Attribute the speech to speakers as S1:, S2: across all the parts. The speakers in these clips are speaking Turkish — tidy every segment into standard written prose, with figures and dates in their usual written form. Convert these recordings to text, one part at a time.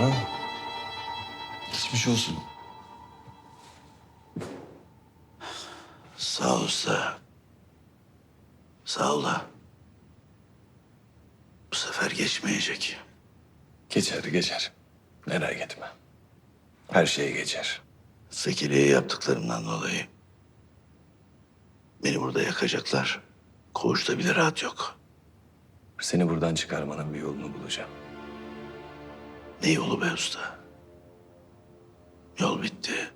S1: Cana. Geçmiş olsun.
S2: Sağ ol usta. Sağ ol da. Bu sefer geçmeyecek.
S1: Geçer geçer. Merak etme. Her şey geçer.
S2: Zekeriye yaptıklarımdan dolayı beni burada yakacaklar. Koğuşta bile rahat yok.
S1: Seni buradan çıkarmanın bir yolunu bulacağım.
S2: Ne yolu be usta? Yol bitti.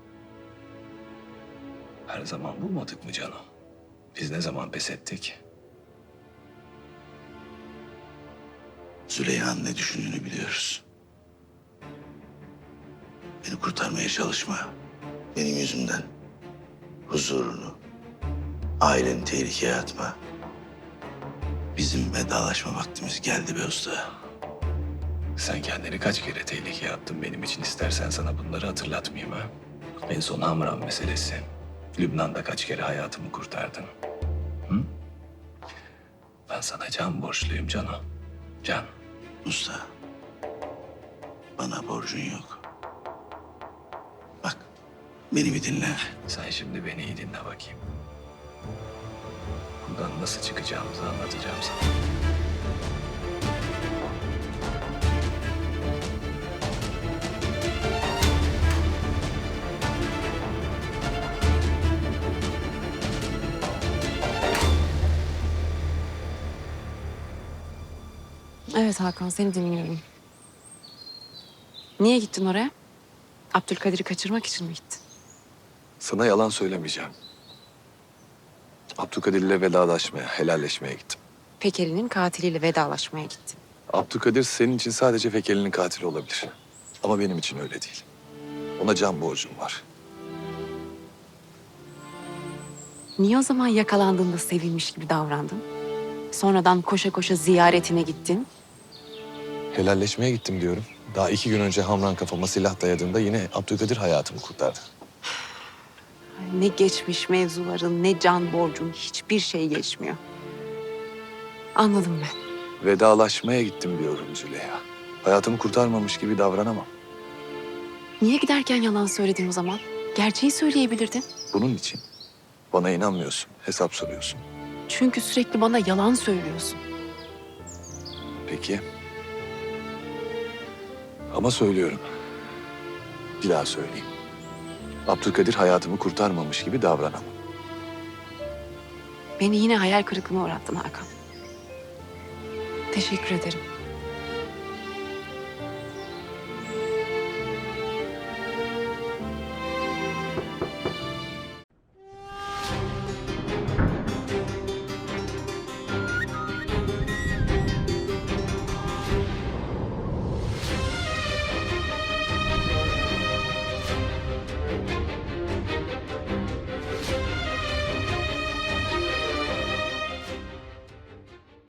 S1: Her zaman bulmadık mı canım? Biz ne zaman pes ettik?
S2: Züleyha'nın ne düşündüğünü biliyoruz. Beni kurtarmaya çalışma. Benim yüzümden. Huzurunu, aileni tehlikeye atma. Bizim vedalaşma vaktimiz geldi be usta.
S1: Sen kendini kaç kere tehlikeye attın benim için, istersen sana bunları hatırlatmayayım ha. En son Hamran meselesi. Lübnan'da kaç kere hayatımı kurtardın. Hı? Ben sana can borçluyum canım. Can.
S2: Usta, bana borcun yok. Bak, beni bir dinle.
S1: Sen şimdi beni iyi dinle bakayım. Buradan nasıl çıkacağımızı anlatacağım sana.
S3: Evet Hakan, seni dinliyorum. Niye gittin oraya? Abdülkadir'i kaçırmak için mi gittin?
S1: Sana yalan söylemeyeceğim. Abdülkadir'le vedalaşmaya, helalleşmeye gittim.
S3: Pekeri'nin katiliyle vedalaşmaya gittin.
S1: Abdülkadir senin için sadece Fekeli'nin katili olabilir. Ama benim için öyle değil. Ona can borcum var.
S3: Niye o zaman yakalandığında sevinmiş gibi davrandın? Sonradan koşa koşa ziyaretine gittin.
S1: Helalleşmeye gittim diyorum. Daha 2 gün önce Hamran kafama silah dayadığında yine Abdülkadir hayatımı kurtardı.
S3: Ne geçmiş mevzuların, ne can borcun, hiçbir şey geçmiyor. Anladım ben.
S1: Vedalaşmaya gittim diyorum Züleyha. Hayatımı kurtarmamış gibi davranamam.
S3: Niye giderken yalan söyledin o zaman? Gerçeği söyleyebilirdin.
S1: Bunun için bana inanmıyorsun, hesap soruyorsun.
S3: Çünkü sürekli bana yalan söylüyorsun.
S1: Peki. Ama söylüyorum. Bir daha söyleyeyim. Abdülkadir hayatımı kurtarmamış gibi davranamam.
S3: Beni yine hayal kırıklığına uğrattın Hakan. Teşekkür ederim.